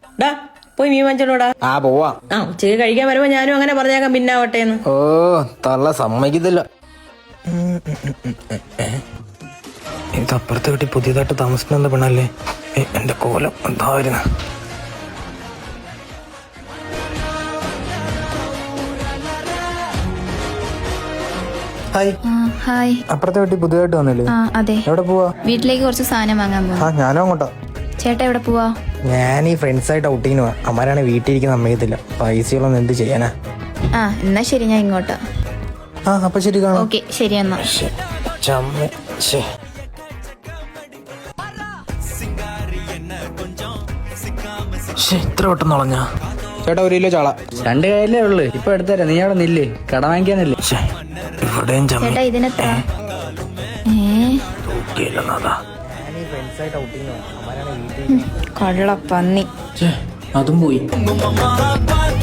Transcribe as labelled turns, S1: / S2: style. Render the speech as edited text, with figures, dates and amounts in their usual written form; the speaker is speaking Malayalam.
S1: ഡാ പോയി മീൻ വാങ്ങിച്ചോളൂടാ.
S2: ആ പോവാ.
S1: ഉച്ചയ്ക്ക് കഴിക്കാൻ വരുമ്പോ ഞാനും അങ്ങനെ പറഞ്ഞേക്കാം പിന്നാവട്ടെ എന്ന്.
S2: ഓ തള്ള സമ്മതിക്കത്തില്ല. ഇത് അപ്പുറത്തെ വീട്ടിൽ പുതിയതായിട്ട് താമസിക്കുന്ന പെണ്ണല്ലേ? എന്റെ കോലം എന്തായിരുന്നു? ഹായ്.
S3: ഹായ്.
S2: അപ്പുറത്തെ വീട്ടിൽ പുതിയതായിട്ട് വന്നില്ലേ?
S3: അതെ.
S2: എവിടെ പോവാ?
S3: വീട്ടിലേക്ക് കുറച്ച് സാധനം വാങ്ങാൻ പോവാ.
S2: ഞാനും അങ്ങോട്ടാ.
S3: ചേട്ടാ എവിടെ പോവാ?
S2: ഞാൻ ഈ ഫ്രണ്ട്സായിട്ട് ഔട്ടിങ്ങിന് പോവാ. അമ്മാരാണ് വീട്ടിലിരിക്കുന്ന സമ്മതിക്കത്തില്ല. പൈസകളൊന്നും എന്ത് ചെയ്യാനാ?
S3: എന്നാ ശരി, ഞാൻ ഇങ്ങോട്ടാ.
S2: അപ്പൊ ശരി കാണാം.
S3: ഓക്കെ ശരി എന്നാ.
S2: ഇത്ര പെട്ടെന്ന് കളഞ്ഞാ? ചേട്ടാ 1 കിലോ ചാള.
S4: 2 കയ്യിലേ ഉള്ളു. ഇപ്പൊ എടുത്തരാ. നീ അവിടെ നില്ലേ, കട വാങ്ങിക്കാനല്ലേ?
S2: ഇവിടെയും
S3: ചേട്ടാ ഇതിനെത്ര? കള്ള പന്നി.
S4: അതും പോയി.